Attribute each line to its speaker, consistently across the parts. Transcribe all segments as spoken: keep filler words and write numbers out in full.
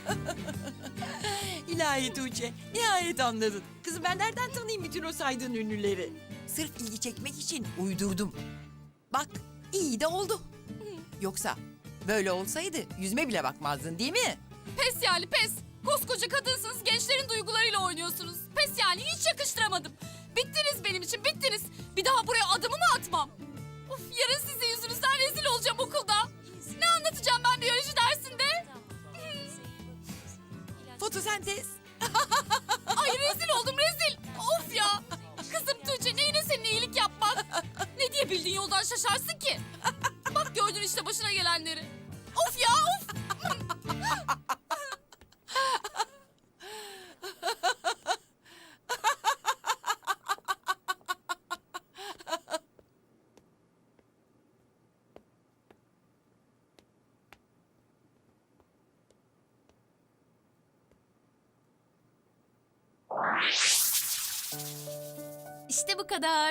Speaker 1: İlahi Tuğçe, nihayet anladın. Kızım ben nereden tanıyayım bütün o saydığın ünlüleri? Sırf ilgi çekmek için uydurdum. Bak, iyi de oldu. Yoksa böyle olsaydı yüzüme bile bakmazdın değil mi?
Speaker 2: Pes yani pes. Koskoca kadınsınız, gençlerin duygularıyla oynuyorsunuz. Pes yani, hiç yakıştıramadım. Bittiniz benim için, bittiniz. Bir daha buraya adımımı atmam. Of, yarın sizin yüzünüzden rezil olacağım okulda. Ne anlatacağım ben biyoloji dersinde?
Speaker 1: Fotosentez.
Speaker 2: Ay rezil oldum, rezil. Of ya. Kızım Tuğçe, neyine senin iyilik yapmak? Ne diye bildiğin yoldan şaşarsın ki? Bak gördün işte başına gelenleri. Of ya, of. İşte bu kadar.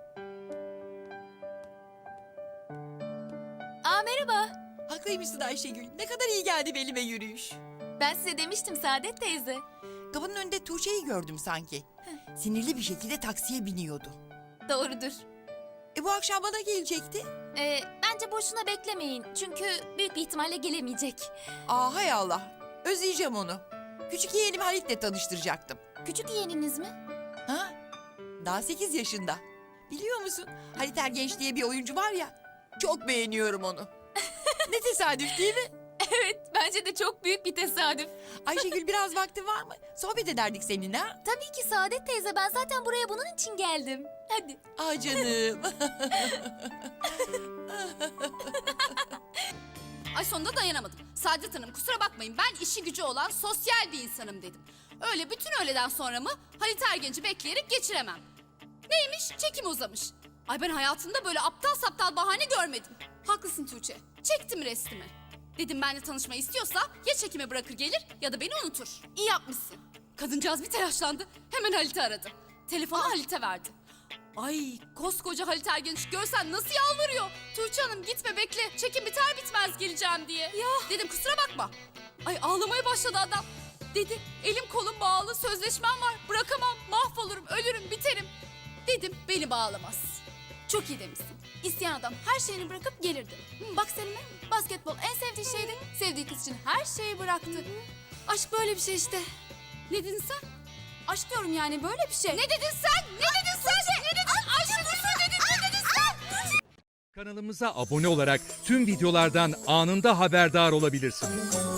Speaker 2: Aa merhaba.
Speaker 1: Haklıymışsın Ayşegül. Ne kadar iyi geldi belime yürüyüş.
Speaker 2: Ben size demiştim Saadet teyze.
Speaker 1: Kapının önünde Tuğçe'yi gördüm sanki. Sinirli bir şekilde taksiye biniyordu.
Speaker 2: Doğrudur.
Speaker 1: E bu akşam bana gelecekti.
Speaker 2: Ee, bence boşuna beklemeyin. Çünkü büyük bir ihtimalle gelemeyecek.
Speaker 1: Aa hay Allah. Özleyeceğim onu. Küçük yeğenim Halit'le tanıştıracaktım.
Speaker 2: Küçük yeğeniniz mi?
Speaker 1: Ha? Daha sekiz yaşında. Biliyor musun? Halit Ergenç diye bir oyuncu var ya. Çok beğeniyorum onu. Ne tesadüf değil mi?
Speaker 2: Evet, bence de çok büyük bir tesadüf.
Speaker 1: Ayşegül biraz vaktin var mı? Sohbet ederdik seninle ha?
Speaker 2: Tabii ki Saadet teyze. Ben zaten buraya bunun için geldim. Hadi.
Speaker 1: Aa canım.
Speaker 2: Ay sonunda dayanamadım. Saadet Hanım kusura bakmayın, ben işi gücü olan sosyal bir insanım dedim. Öyle bütün öğleden sonra mı Halit Ergenç'i bekleyerek geçiremem. Neymiş? Çekim uzamış. Ay ben hayatımda böyle aptal saptal bahane görmedim. Haklısın Tuğçe. Çektim restimi. Dedim benimle tanışmayı istiyorsa ya çekimi bırakır gelir ya da beni unutur. İyi yapmışsın. Kadıncağız bir telaşlandı. Hemen Halit'i aradı. Telefonu Halit'e verdi. Ay koskoca Halit Ergenç görsen nasıl yalvarıyor. Tuğçe Hanım gitme bekle, çekim biter bitmez geleceğim diye. Ya. Dedim kusura bakma. Ay ağlamaya başladı adam. Dedi elim kolum bağlı, sözleşmem var, bırakamam, mahvolurum, ölürüm, biterim. Dedim beni bağlamaz. Çok iyi demişsin. İsteyen adam her şeyini bırakıp gelirdi. Hı, bak Selim'e basketbol en sevdiği şeydi. Sevdiği kız için her şeyi bıraktı. Aşk böyle bir şey işte. Ne dedin sen? Aşk diyorum yani böyle bir şey. Ne dedin sen? Ne dedin sen? Ne dedin? Aşk ne dedin? Ne dedin sen?
Speaker 3: Kanalımıza abone olarak tüm videolardan anında haberdar olabilirsiniz.